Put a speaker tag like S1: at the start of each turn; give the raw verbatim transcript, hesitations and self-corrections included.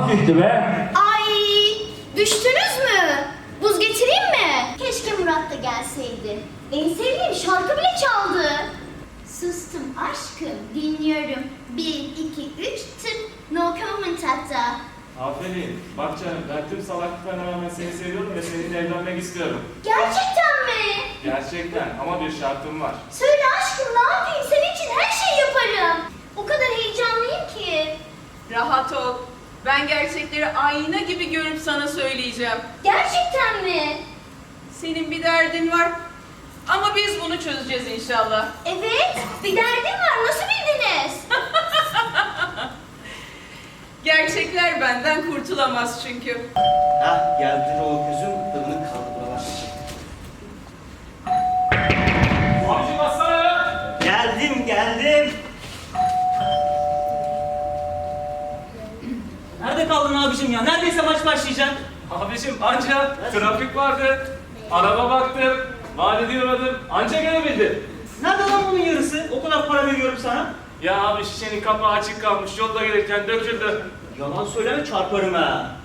S1: hafifti be.
S2: Ay, düştünüz mü? Buz getireyim mi? Keşke Murat da gelseydi. En sevdiğim şarkı bile çaldı. Sustum aşkım, dinliyorum. Bir, iki, üç, tık. No comment hatta.
S3: Aferin. Bak canım, ben tüm salaklıklarına rağmen seni seviyorum ve seninle evlenmek istiyorum.
S2: Gerçekten mi?
S3: Gerçekten, ama bir şartım var.
S2: Söyle aşkım, ne yapayım? Senin için her şeyi yaparım. O kadar heyecanlıyım ki.
S4: Rahat ol. Ben gerçekleri ayna gibi görüp sana söyleyeceğim.
S2: Gerçekten mi?
S4: Senin bir derdin var. Ama biz bunu çözeceğiz inşallah.
S2: Evet, bir derdim var. Nasıl bildiniz?
S4: Gerçekler benden kurtulamaz çünkü.
S5: Hah geldi o gözüm fırını kaldı buralar.
S3: Abicim bassana ya!
S5: Geldim geldim.
S1: Nerede kaldın abicim ya? Neredeyse maç başlayacak.
S3: Abicim anca trafik vardı. Araba baktım, valideye uğradım. Anca gelebildim.
S1: Nerede lan bunun yarısı? O kadar para veriyorum sana.
S3: Ya abi şişenin kapağı açık kalmış. Yolda gelirken döküldü.
S1: Yalan söyleme çarparım ha.